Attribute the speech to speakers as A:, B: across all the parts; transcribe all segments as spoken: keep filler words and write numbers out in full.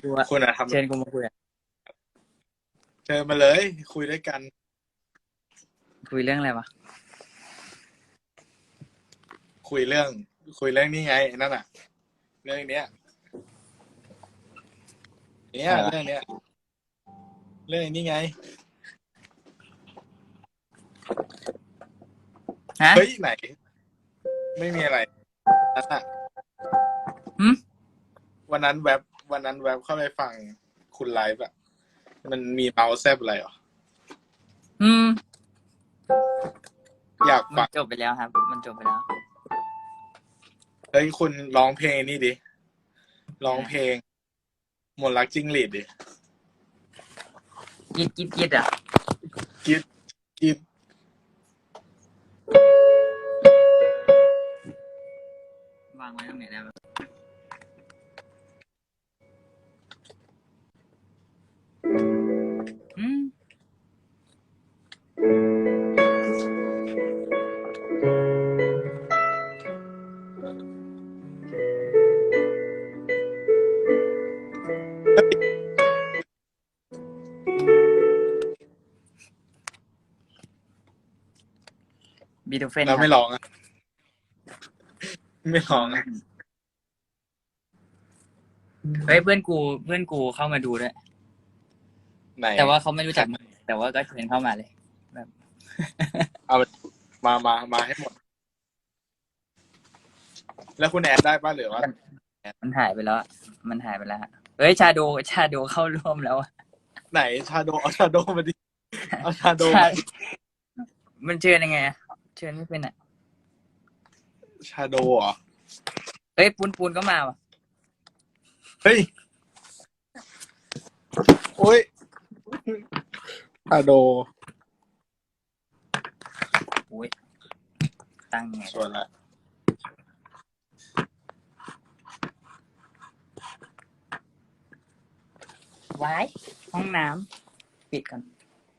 A: กูอะ
B: คุณอะท
A: เชิญกูมาคุยอะ
B: ำเจอมาเลยคุยด้วยกัน
A: คุยเรื่องอะไรวะ
B: คุยเรื่อง คุยเรื่องนี้ไงนั่นอะเรื่องเนี้ยเนี้ย
A: อะไรวะ
B: เรื่องเนี้ยเรื่องนี้ไง
A: ฮะ
B: เฮ้ยไหนไม่มีอะไรนั่นอะ
A: หืม
B: วันนั้นแว็บวันนั้นแว็บเข้าไปฟังคุณไลฟ์อะมันมีเมาส์แซบอะไรเหรอ
A: อืม
B: อยาก
A: มัน
B: ฟัง
A: จบไปแล้วครับมันจบไปแล้ว
B: เฮ้ยคุณร้องเพลงนี่ดิร้อง
A: อ่า
B: เพลงมนต์รักจิ้งหรีดดิ
A: กิดกิดกิดอ่ะ
B: กิดกิด
A: วางไว้ตรงไหนได้บ้างอืมบีโธเฟน
B: แล้ว
A: ครับ
B: ไม่ร้องอะไม่ร้
A: อ๋อ
B: องอะ
A: เฮ้ยเพื่อนกูเพื่อนกูเข้ามาดูด้วย
B: ไหน
A: แต่ว่าเขาไม่รู้
B: ใคร
A: จักมึงแต่ว่าก็เชิญเข้ามาเลยแบบ
B: เอามามามาให้หมดแล้วคุณแอดได้ป่ะหรือว่า
A: มันหายไปแล้วอะมันหายไปแล้วฮะเฮ้ยชาโดชาโดเข้าร่วมแล้วอะ
B: ไหนชาโดเอาชาโดมาดิเอาชาโด
A: ชา
B: มา
A: มันเชิญยังไงอะเชิญไม่เป็นอ่ะ
B: ชาโดเหรอ
A: เฮ้ยปูนปูนก็มาว่ะ
B: เฮ้ยโอ้ยชาโด
A: อุ้ยตั้งยังไง
B: ชวนละ
A: ไว้ห้องน้ำปิดก่อน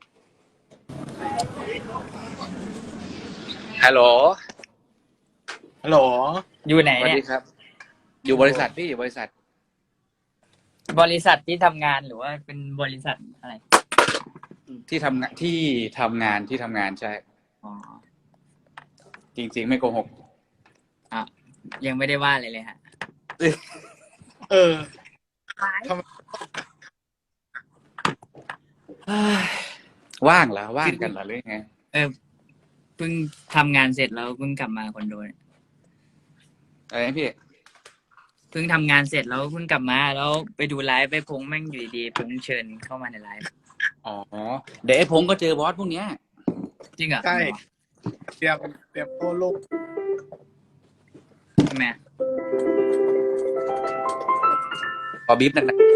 C: ฮัลโหล
B: ฮัลโหล
A: อยู่ไหน
C: สวัส
A: เนี่ย
C: ดีครับ อยู่บริษัทพี่อยู่บริษัท
A: บริษัทที่ทำงานหรือว่าเป็นบริษัทอะไร
C: ที่ทำงานที่ทำงานที่ทำงานใช่
A: อ๋อ
C: จริง ๆ ไม่โกหก
A: อ่ะยังไม่ได้ว่าอะไรเลยฮะ
B: เออทำ
C: ว่างเหรอว่างกันเหรอหรือไง
A: เออเพิ่งทำงานเสร็จแล้วเพิ่งกลับมาคอนโดเนี่ย
C: อะไรนะพี่
A: เพิ่งทำงานเสร็จแล้วเพิ่งกลับมาแล้วไปดูไลฟ์ไปพงแม่งอยู่ดีๆพงเชิญเข้ามาในไลฟ์
C: อ๋อ เดี๋ยวไอ้พงก็เจอบอสพวกเนี้ย
A: จริงเหรอ
B: ใช่เตรียมเตรียมโต้ลูก
A: ทำไมอะ
C: ขอบีบหนัก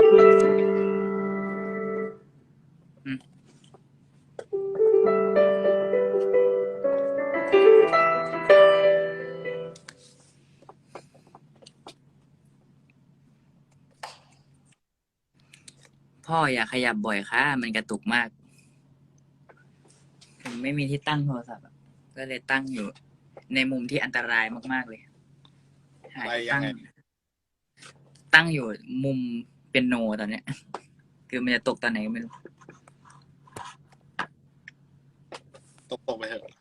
A: พ่ออย่าขยับบ่อยค่ะมันกระตุกมากผมไม่มีที่ตั้งโทรศัพท์อะก็เลยตั้งอยู่ ในมุมที่อันตรายมากๆเลยหา
B: อะไร
A: ที่
B: ยั
A: ตั้
B: ง
A: ง
B: ไง
A: ตั้งอยู่มุมเป็นโนตอนเนี้ย คือมันจะตกตอนไหนก็ไม่รู้
B: ตกตกไปเถอะ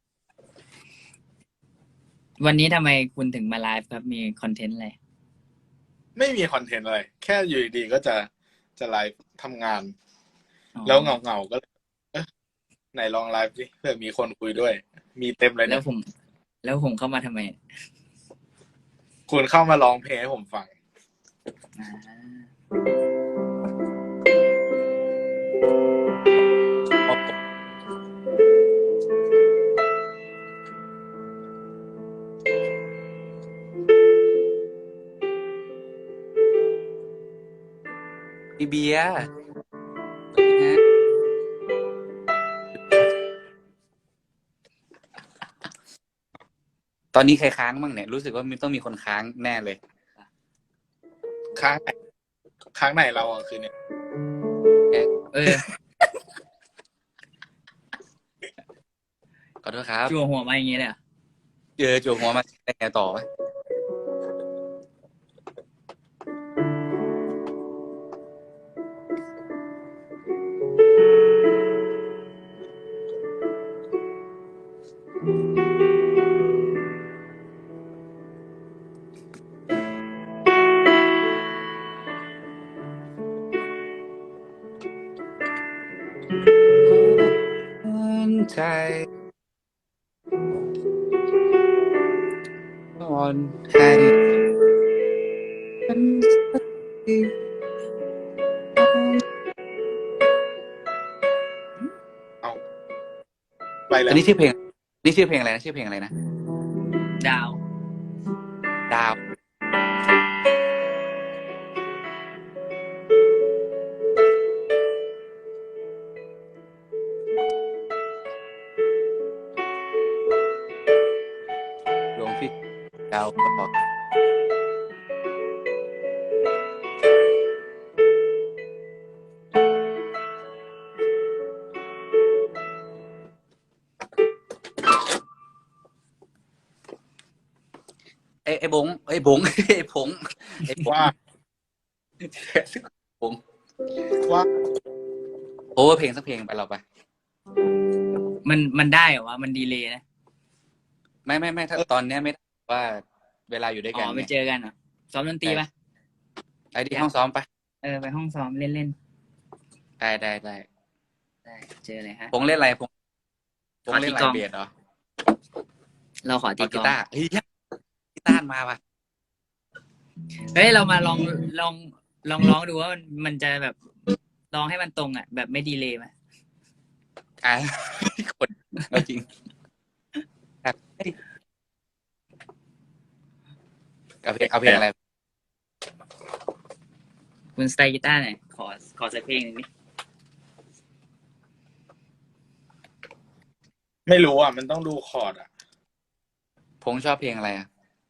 A: วันนี้ทำไมคุณถึงมาไลฟ์ครับ มีคอนเทนต์อะไร
B: ไม่มีคอนเทนต์อะไรแค่อยู่ดีๆก็จะจะไลฟ์ทำงาน
A: อ๋อ
B: แล้วเงาเงาๆก็เลยเอ๊ะไหนลองไลฟ์สิเพื่อมีคนคุยด้วย มีเต็มเลย
A: แล้
B: เนี่
A: วย ผม แล้วผมเข้ามาทำไม
B: คุณเข้ามาร้องเพลงให้ผมฟัง
A: อ่า
C: พี่เบียร์ฮะตอนนี้ใครค้างบ้างเนี่ย รู้สึกว่ามันต้องมีคนค้างแน่เลย
B: ค้างไหนค้างไหนเราอ่ะคือเนี่ย
A: เออ
C: ขอโทษครับ
A: จั่วหัวมาอย่างงี้เลยเหรอ
C: เจอจั่วหัวมาได้ไงต่อวะใจอ่อนให้ฉันสักที
B: เอาไปแล้
C: อัน
B: ว
C: นี้ชื่อเพลงนี่ชื่อเพลงอะไรนะชื่อเพลงอะไรนะ
A: ดาว
C: ดาวหลวงพี่ดาวก็บอกไอ้ไอ้บงไอ้บงไอ้ผงไอ้ผง
B: ว่า
C: ผง
B: ว่า
C: โอ้เพลงสักเพลงไปเราไป
A: มันมันได้เหรอวะมันดีเลยนะ
C: ไม่ไม่ไม่ถ้าตอนเนี้ยไม่ได้ว่าเวลาอยู่ด้วย
A: อ๋
C: กัน
A: อไป
C: เนี่ย
A: เจอกันเหรอซ้อมดนตรีปะ
C: ไปที่ห้องซ้อมไป
A: เออไปห้องซ้อมเล่นเล่น
C: ได้ได้ได้
A: ๆได้เจอเลยฮะ
C: ผงเล่นอะไรผงผง
A: ขอ
C: เล่
A: ตี
C: นอะไร
A: กลอง
C: เบียดเหรอ
A: เราขอตี
C: เอา
A: ก
C: กี
A: ลอง
C: ตาร์เฮ้ยกีตาร์มาว่ะ
A: เฮ้ยเรามาลองลองลองร้องดูว่ามันมันจะแบบร้องให้มันตรงอ่ะ แบบไม่ดีเลยไหม
C: อ่ะคนเอาจริงครับเอาเพลงเอาเพลงอะไร
A: คุณสไตล์กีตาร์หน่อยขอขอสักเพลงหนึ่งนี่
B: ไม่รู้อ่ะ มันต้องดูคอร์ดอ่ะ
C: พงชอบเพลงอะไรอ่ะ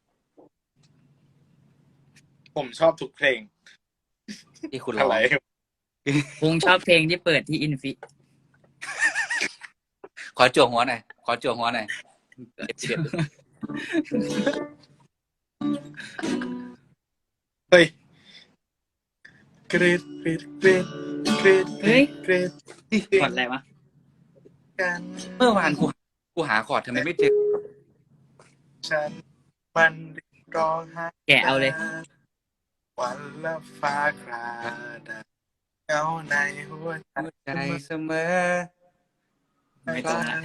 B: ผมชอบทุกเพลง
C: ที่คุณร้อ
B: อะ
C: ง
B: ไร
A: พงชอบเพลงที่เปิดที่อินฟิ
C: ขอจั่วหัวหน่อยขอจั่วหัวหน่อยเด็ดเด็ด
B: เฮ้ยกรีดกรีดกรีดกรีด
A: เฮ้ย
B: กรีด
A: กดอะไรวะ
B: กัน
C: เมื่อวานกูกูหาคอร์ดทำไมไม่เจอ
B: ฉันมันร้องไห้
A: แกะเอาเลย
B: วันละฟ้าคราดเงาในหัวใจ
C: หัวใจเสมอ
A: ไม่ตรงละ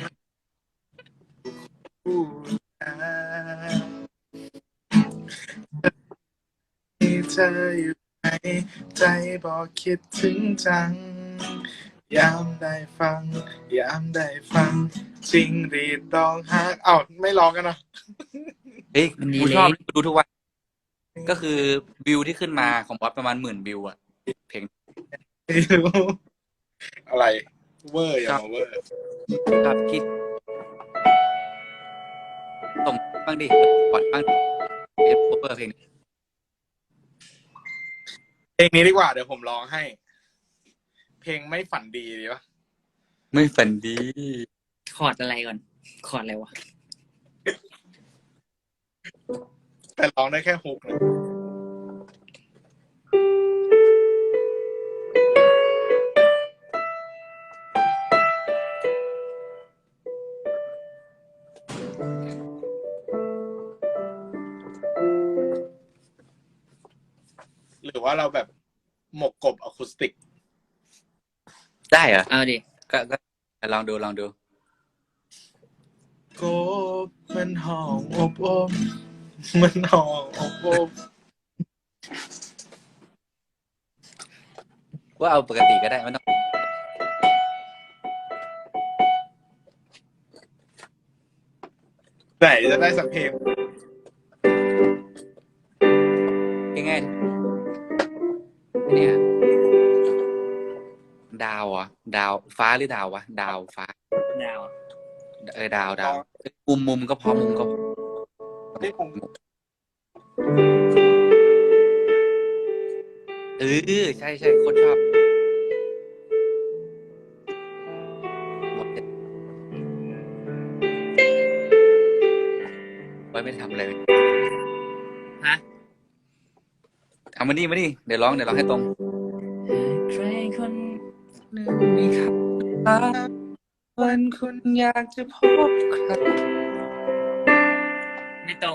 B: ผู้ชายที่เธออยู่ในใจบอกคิดถึงจัง ยามได้ฟัง ยามได้ฟังจริงรีดร้องไห้เอ้าไม่ร้องกันเนาะ
C: เฮ้ย
A: มันดี
C: กู
A: เลย
C: ชอบกูดูทุกวันก็คือวิวที่ขึ้นมาของบอสประมาณหมื่นวิวอ่ะเพลง
B: ไม่รู้อะไร เวอร์อย่ามาเวอร์
C: ครับคิดส่งบ้างดิก่อนบ้างเอฟเวอร์เพลง
B: เพลงนี้ดีกว่าเดี๋ยวผมร้องให้ เพลงไม่ฝันดีดีปะ
C: ไม่ฝันดี
A: คอร์ดอะไรก่อนคอร์ดอะไรวะ
B: แต่ร้องได้แค่ฮุกนะหรือว่าเราแบบหมกกบอะคูสติก
C: ได้เหรอ
A: เอาดิ
C: ก็ก็ลองดูลองดู
B: กบมันห้องอบอบมันห้องอบอบ
C: ว่าเอาปกติก็ได้ไม่ต้อง
B: ไหนจะได้สักเพลง
C: ง่ายๆเนี่ยดาวเหรอ่ะดาวฟ้าหรือดาววะดาวฟ้า
A: ดาว
C: เออดาวดาวมุมมุมก็พอมุมก็พอ
B: ที่ผม
C: เออใช่ใช่โคตรชอบหมดเลยไว้ไม่ทำเลย
A: ฮะ
C: เอามานี่มานี่เดี๋ยวร้องเดี๋ยวร้องให้ตรง
A: ใครคน
C: หนึ่งมีคำถามวันคุณอยากจะพบใคร
A: ไม่ตรง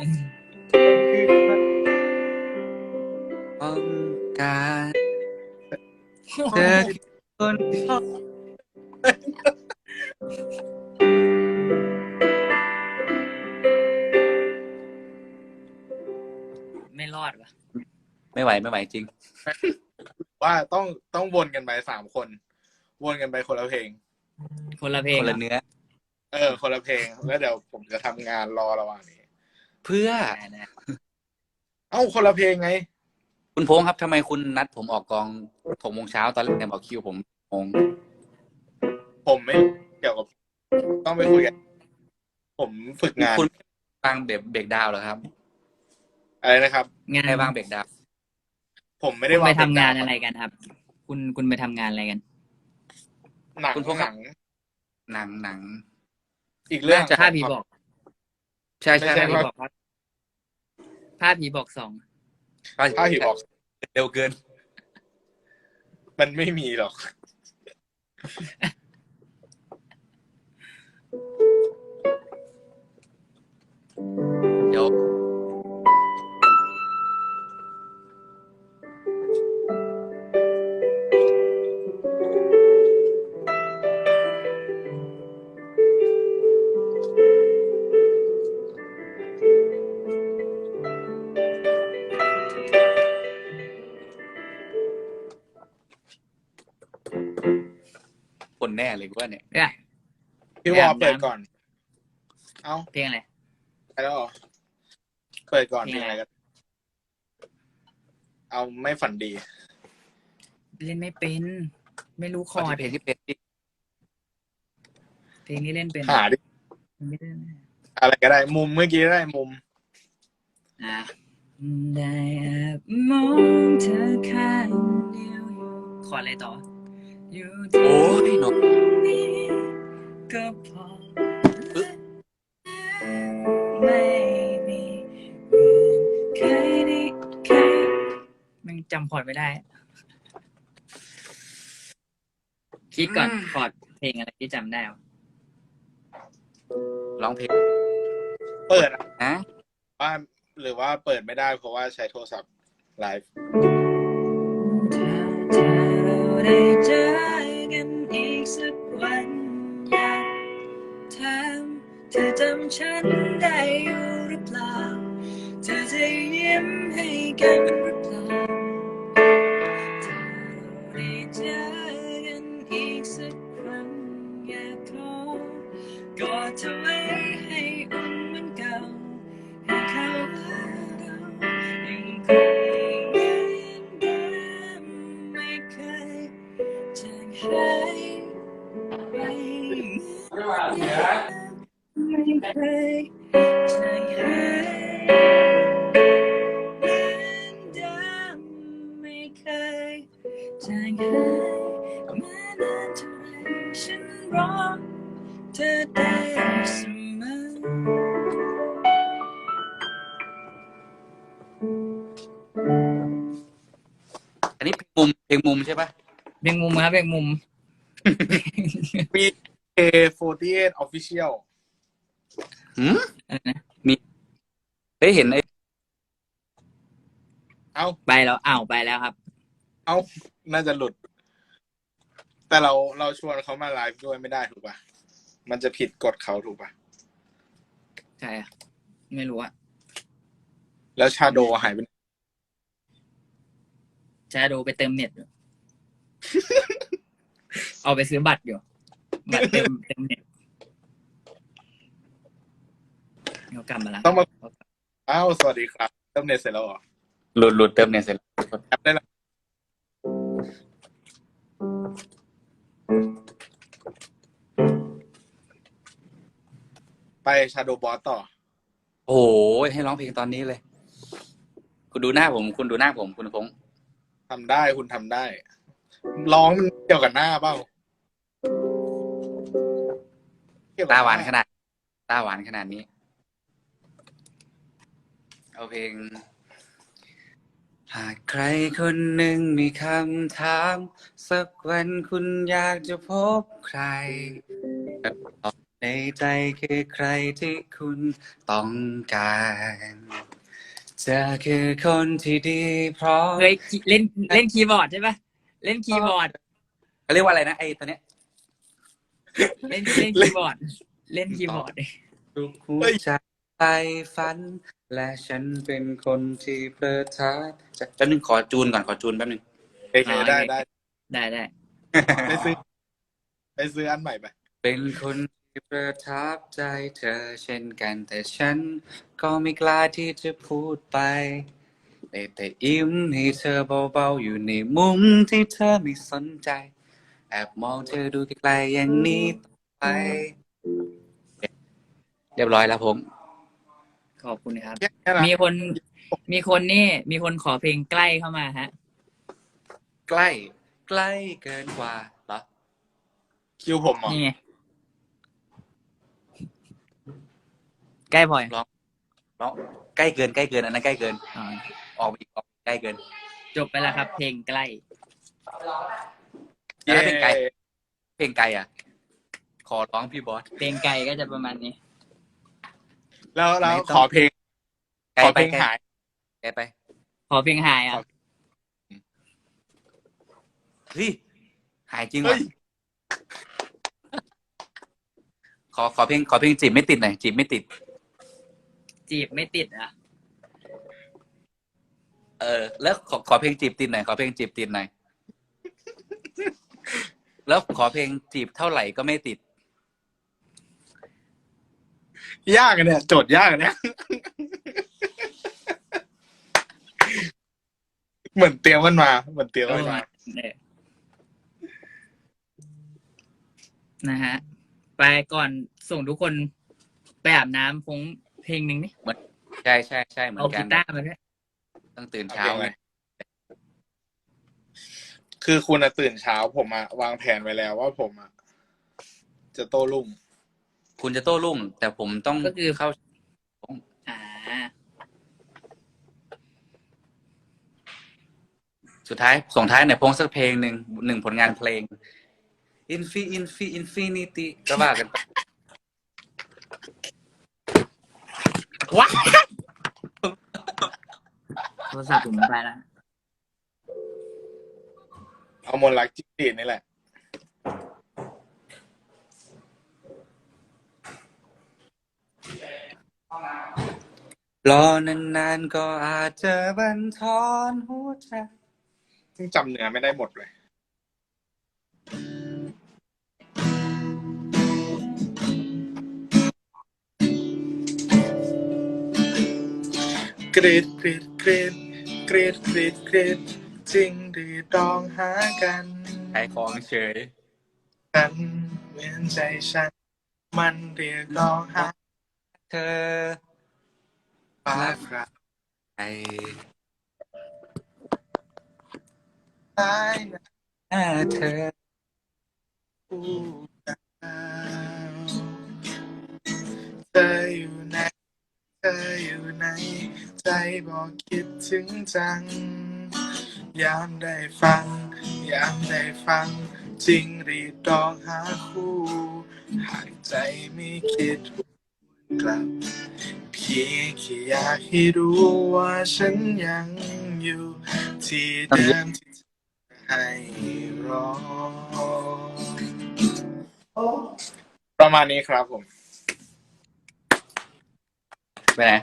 C: ต้องการเจอคน
A: ไม่รอดวะ
C: ไม่ไหวไม่ไหวจริง
B: ว่าต้องต้องวนกันไปสามคน วนกันไปคนละเพลง
A: คนละเพลง
C: คน
A: เหร
C: ละ
A: อ
C: เนื้อ
B: เออ คนละเพลง แล้วเดี๋ยวผมจะทำงานรอระหว่างนี้
C: เพื่อ
A: ได้ได้
B: เอ้าคนละเพลงไง
C: คุณพงษ์ครับทำไมคุณนัดผมออกกองหกโมงเช้าตอนแรกบอกคิวผมโมง
B: ผมไม่เกี่ยวกับต้องไปคุยกันผมฝึกงาน
C: คุณวางเบรกเบรกดาวน์เหรอครับ
B: อะไรนะครับ
A: งาน
C: ให้วางเบรกดาวน์
B: ผมไม่
A: คุ
B: ได้
A: ณ
B: วา
A: ไป
B: ง
A: ทำงาน
B: เป็
A: อะไรกันครับ คุณคุณไปทำงานอะไรกัน
B: หนัง
C: คุณพงษ์
B: ห
C: ครั
B: นั
C: บ
B: ง
C: หนังหนัง
B: อีกเรื่อง
C: น่าจะ
A: ภาพผีบอก
C: ใช่ใช่
B: ไม่ใช่
A: ภาพผี
C: ใช่
A: บอกภาพผีบอกสอง
B: ภาพผีบอก
C: เร็วเกิน
B: มันไม่มีหรอก
C: เดี๋ยวคนแน่เลยกูว่าเนี่ย
A: เนี่ย
B: พี่วอเปิดก่อน เอ้า
A: เพลงอะไร
B: ไปแล้วเหรอเปิดก่อน
A: เพ
B: เพ
A: ล
B: ล
A: ง
B: ง
A: อะ
B: อะไร ไรกันเอาไม่ฝันดี
A: เล่นไม่เป็น ไม่รู้ค
C: ขอ
A: อร์ด
C: ที่เพลงที่เป็นที่
A: เพลงนี้เล่นเป็น
B: หาดิ
A: ไม่ได้
B: อะไรก็ได้ มุมเมื่อกี้ได้มุม
A: อ่ะได้แอบมองเธอข้างเดียวอยู่คอร์ดอะไรต่อ อยู่ตร
C: โอ้
A: ง
C: ยหนก
A: นี้ก็พอไม่มีเหมือนเคยได้เคยมันจำคอร์ดไม่ได้ คิดก่อนคอร์ดเพลงอะไรที่จำได้วะ
C: ร้องเพลง
B: เปิดอะ
C: นะ
B: ว่าหรือว่าเปิดไม่ได้เพราะว่าใช้โทรศัพท์ไลฟ์
A: ถ้าเธอเราได้เจอกันอีกสักวันอยากถามเธอจำฉันได้อยู่หรือเปล่าเธอจะยิ้มให้กันหรือเปล่าถ้าเราได้เจอกันอีกสักครั้งอยากขอกอดเธอไว้ให้อุ่นเหมือนเก่าให้เขาว่าเรายังคงเหมือนเดิมไม่เคยจางหายไปไม่เคยจางหายเหมือนเดิมไม่เคยจางหายแม้นานเท่าไรฉันรอเธอได้เสมอ
C: อันนี้เพลงมุมเพลงมุมใช่ปะ
A: เบ่งมุมครับเบ่งมุม
B: มี เค โฟร์ตี้เอท Official
C: หืม
A: อะไรนะ
C: เฮ้ยเห็นไอ้
B: เอ้า
A: ไปแล้วอ้าวไปแล้วครับ
B: เอ้า น่าจะหลุด แต่เราเราชวนเขามาไลฟ์ด้วยไม่ได้ถูกป่ะ มันจะผิดกฎเขาถูกป่ะ
A: ใช่อะไม่รู้อะ
B: แล้วชาโดหายไปไหน
A: จะดูไปเติมเน็ตอยู่ เอาไปซื้อบัตรอยู่ บัตรเติมเติมเน็ตเขากลับมาแล้ว
B: ต้องมา อ้าว สวัสดีครับเติมเน็ตเสร็จแล้วเหรอ
C: หลุดหลุดเติมเนี่ยเสร็จแล้ว
B: แอปได้แล้วไปชาโดบอสต่อ
C: โอ้โหให้ร้องเพลงตอนนี้เลย คุณดูหน้าผม คุณดูหน้าผมคุณพงษ์
B: ทำได้คุณทำได้ ร้องมันเกี่ยวกับหน้าเปล่าเกี่ยวกับ
C: ตาหวาน
B: น้
C: ขนาดตาหวานขนาดนี้ เอาเพลง หากใครคนหนึ่งมีคำถาม สักวันคุณอยากจะพบใครคำตอบในใจคือใครที่คุณต้องการเธอคือคนที่ดีพร้อม
A: เฮ้ยเล่นเล่นคีย์บอร์ดใช่ปะเล่นคีย์บอร์ด
C: เขาเรียกว่าอะไรนะไอ้ตัวเนี้ย
A: เล่นเล่นคีย์บอร์ด เล่นคีย์บอร์ด
C: ทุกหัวใจไปฝัน และฉันเป็นคนที่เพลิดเพลินจะแป๊บนึงขอจูนก่อนขอจูนแป๊บนึง
B: โอเคได้ได้
A: ได้ได้
B: ไปซื้อไปซื้ออันใหม่ไป
C: เป็นคนที่ประทับใจเธอเช่นกันแต่ฉันก็ไม่กล้าที่จะพูดไปได้แต่ยิ้มให้เธอเบาๆอยู่ในมุมที่เธอไม่สนใจแอบมองเธอดูไกลๆอย่างนี้ต่อไปเรียบร้อยแล้วผม
A: ขอบคุณครับ
B: แค่นั้น
A: มีคนมีคนนี่มีคนขอเพลงใกล้เข้ามาฮะ
C: ใกล้ใกล้เกินกว่าเหรอ
B: คิวผมเหรอ
A: นี่ไงใกล้พลอย
C: ร้องร้องใกล้เกินใกล้เกินอันนั้นใกล้เกิน
A: อ๋อ
C: ออกไปอีกออกใกล้เกิน
A: จบไปแล้วครับ เพลงใกล้
C: แล้วถ้าเป็นไกลเพลงไกลอ่ะ ขอร้องพี่บอส
A: เพลงไกลก็จะประมาณนี้
B: แล้วแล้ว
C: ไม่ต้อง
B: ขอเพลง
C: ไกล
B: ขอ
C: ไป
B: เพลง
C: ไกล
B: หาย
C: ไกลไป
A: ขอเพลงหายอ่ะ
C: เฮ้ยหายจริง
B: เฮ้
C: ว่ะ
B: ย
C: ขอขอเพลงขอเพลงจีบไม่ติดหน่อยจีบไม่ติด
A: จีบไม่ติดอ่ะ
C: เออ แล้วขอขอเพลงจีบติดหน่อยขอเพลงจีบติดหน่อยแล้วขอเพลงจีบเท่าไหร่ก็ไม่ติด
B: ยากอะเนี่ยโจทย์ยากอะเนี่ย เหมือนเตรียมมันมาเหมือนเตรียมมันมา
A: เนี่ยนะฮะ ไปก่อนส่งทุกคนไปอาบน้ำพงเพลงหนึ่งนี่
C: ใช่ใช่ใช่เหมือ
A: เอา
C: นกั
A: กี
C: น
A: ตาร์มาด้วย
C: ต้องตื่นเช้าไง
B: คือคุณอะตื่นเช้าผมอะวางแผนไว้แล้วว่าผมอะจะโต้รุ่ง
C: คุณจะโต้รุ่ง แต่ผมต้อง
A: ก็คือ
C: เข้า
A: อ่า
C: สุดท้ายส่งท้ายในอยพงสักเพลงหนึ่งหนึ่งผลงานเพลง Infi Infi Infinity ก็ว่ากันไป
A: ว้าโทรศัพท์ผมไปแล้ว
B: เอามนต์รักจิ้งหรีดนี่แหละ
C: รอนานๆก็อาจจะบันทอนหัวใจ
B: ซึ่งจำเนื้อไม่ได้หมดเลย กรีดกรีดกรีดกรีดกรีดกรีดจริงหรือดองหากัน
C: ขายของเฉย
B: กันเหมือนใจฉัน มันเรียกร้องหา
C: เธอ
B: ฟ้าฝรา
C: ไอ้
B: ยนะ
C: หน้าเธอ
B: ผู้ดาวเธออยู่ไหนเธออยู่ไหนใจบอกคิดถึงจัง ยามได้ฟัง ยามได้ฟัง จริงรีดร้องหาคู่หากใจไม่คิดกลับ เพียงแค่อยากให้รู้ว่าฉันยังอยู่ ที่เดิมที่เธอให้รอ ประมาณนี้ครับผม
C: ไปไหน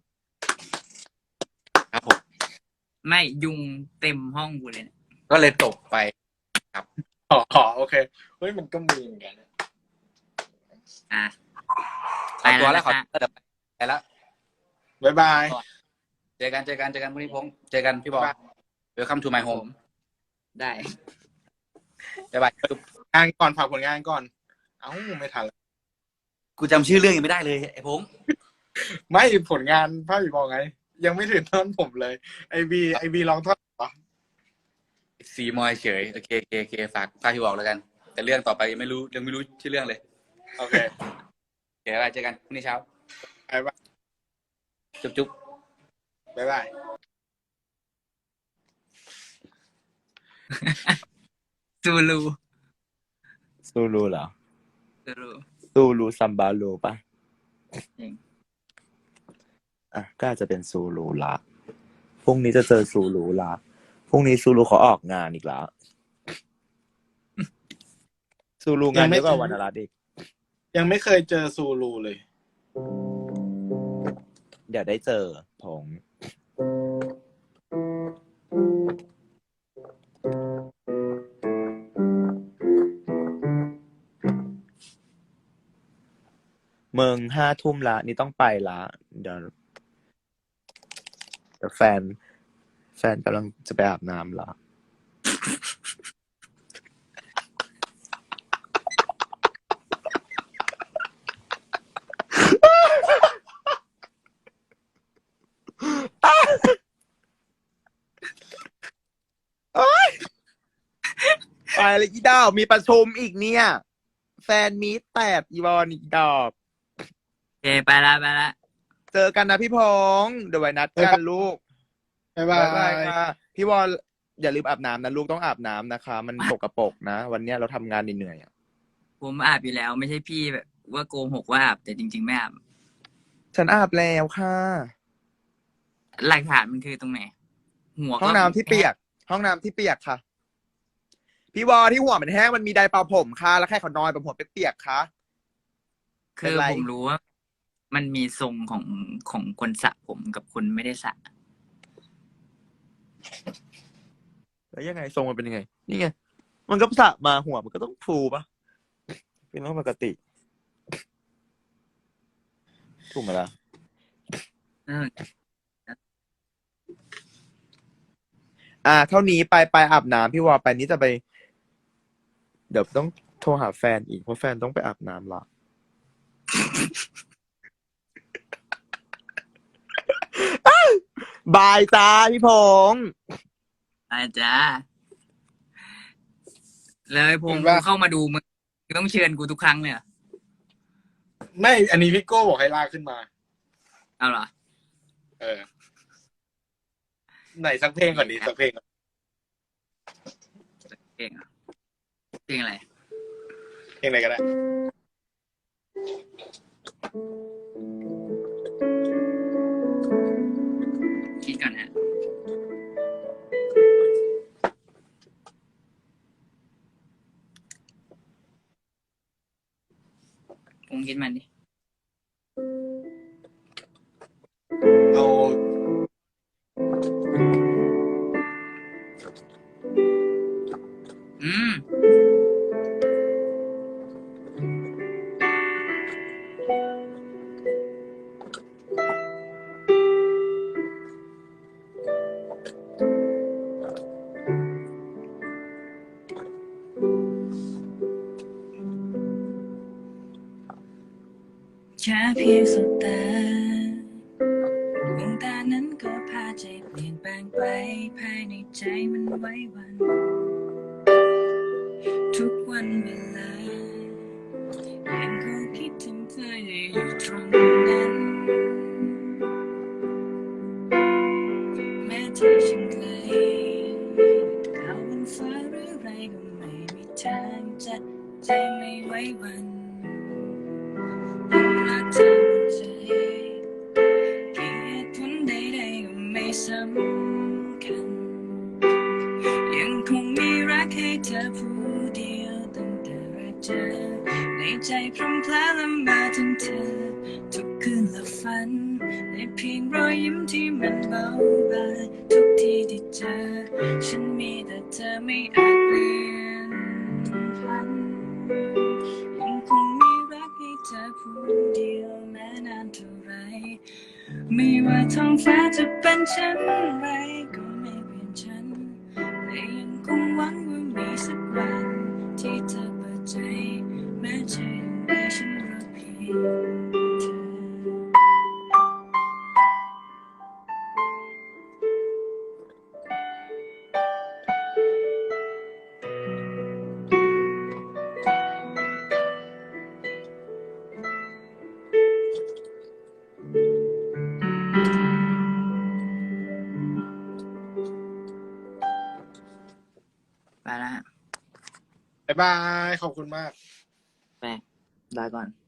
C: ครับผม
A: ไม่ยุงเต็มห้องกูเลยเนี่ย
C: ก็เลยตกไป
B: อ๋ออ๋อโอเค เฮ้ย มันก็มีเหมือนกัน
A: อ่ะ
C: ขอตัวแล้ว
A: ไป
C: ข
A: แล้
C: อ
A: วนะ
C: ตัวเดี๋ยวไปแล้ว
B: บ๊ายบาย
C: เจอกันเจอกันเจอกันพรุ่งนี้พงษ์เจอกันพี่บอล Welcome to my home
A: ได้
C: บ๊ายบาย
B: งานก่อนฝากผลงานก่อน เอ้า ไม่ทันแล้ว
C: กูจำชื่อเรื่องยังไม่ได้เลยไอ้พงษ์
B: ไม่ผลงานภาพผีบอกไง ยังไม่ถึงท่อนผมเลย ไอบีไอบีร้องท่อนเหรอ
C: สีมอยเฉยโอเคโอเคโอเคฝากพาพี่บอกแล้วกัน แต่เรื่องต่อไปยังไม่รู้ยังไม่รู้ชื่อเรื่องเลย
B: โอเค
C: โอเคบ๊ายบายเจอกันพรุ่งนี้เช้า
B: บ๊ายบาย
C: จุ๊บจุ๊บ
B: บ๊ายบาย
A: ซูลู
D: ซูรูเหรอ
A: ซูลู
D: ซูรูซัมบาลูป่ะ
A: จริง
D: อ่ะก็อาจจะเป็นซูรูละพรุ่งนี้จะเจอซูรูละพรุ่งนี้ซูรูเขาออกงานอีกแล้วซูรูงานเยอะกว่าวรรณรัตน์อีก
B: ยังไม่เคยเจอซูรูเลย
D: เดี๋ยวได้เจอผงเมืองห้าทุ่มละนี่ต้องไปละเดี๋ยวเดี๋ยวแฟน แฟนกำลังจะไปอาบน้ำละไปเลยอีดอกมีประชุมอีกเนี่ย แฟนมีตแตดอีบอลอีกดอก
A: โอเคไปละไปละ
D: เจอกันนะพี่พงษ์เดี๋ยวไว้นัดกันลูก
B: บ๊ายบา
D: บ๊ายบาย
B: ย
D: ค่ะพี่วอลอย่าลืมอาบน้ำนะลูกต้องอาบน้ำนะคะ มันปกปรกนะ วันเนี้ยเราทำงานเหนื่อยๆอะ
A: ผมอาบอยู่แล้วไม่ใช่พี่แบบว่าโกหกว่าอาบแต่จริง ๆ ไม่อาบ
D: ฉันอาบแล้วค่ะ
A: หลักฐานมันคือตรงไหนหัวก็
D: ห้องน้ำที่เปียก ห้องน้ำที่เปียกค่ะ พี่วอลที่หัวมันแห้งมันมีไดร์เป่าผมค่ะแล้วแค่เขานอนแบบหัวเปียกๆค่ะ
A: คือ
D: เป็นไร
A: ผมรู้ว่า มันมีทรงของของคนสระผมกับคนไม่ได้สระ
D: แล้วยังไงทรงมันเป็นยังไง นี่ไง มันก็สระมาหัวมันก็ต้องฟูปะเป็นเรื่องปกติ ถูกไหมล่ะ
A: เออ
D: อ่า เท่านี้ไปไปอาบน้ำพี่วอลไปนี้จะไป เดี๋ยวต้องโทรหาแฟนอีกเพราะแฟนต้องไปอาบน้ำละ บายจ้าพี่พงษ์
A: อาจ้าเลยพง
B: เห็น
A: กู
B: ปะ
A: เข้ามาดูมึงต้องเชิญกูทุกครั้งเลยเหรอ
B: ไม่ อันนี้พี่โก้บอกให้ลากขึ้นมา
A: เอาเหรอ
B: เออ ไหนสักเพลงก่อนดีสักเพลงก่อน
A: เพลงเหรอเพลงอะไร
B: เพลงไหนก็ได้
A: คิดก่อนฮะผมคิดมันดิ
B: เอา
A: อืม แค่เพียงสบตาดวงตานั้นก็พาใจเปลี่ยนแปลงไปภายในใจมันไหวหวัน ทุกวันเวลายังคงคิดถึงเธออยู่ตรงนั้น แม้เธอช่างไกลดาวบนฟ้าหรือไรก็ไม่มีทางจะใจไม่ไหวหวันรักเธอหมดใจกี่เหตุผลใดๆก็ไม่สำคัญยังคงมีรักให้เธอผู้เดียวตั้งแต่แรกเจอในใจพรำพลาละเมาถึงเธอทุกคืนและฝันในเพียงรอยยิ้มที่มันเบาบางทุกทีที่เจอฉันมีแต่เธอไม่อาจเปลี่ยนพันยังคงมีรักให้เธอผู้เดียวแม้นานเท่าไรไม่ว่าท้องฟ้าจะเป็นเช่นไรก็ไม่เปลี่ยนฉันแต่ยังคงหวังว่ามีสักวันที่เธอเปิดใจแม้ใจยังได้ฉันรักเพียงเธอ ไปแล้วฮะ
B: บ๊ายบาย ขอบคุณมาก
A: ไปลาก่อน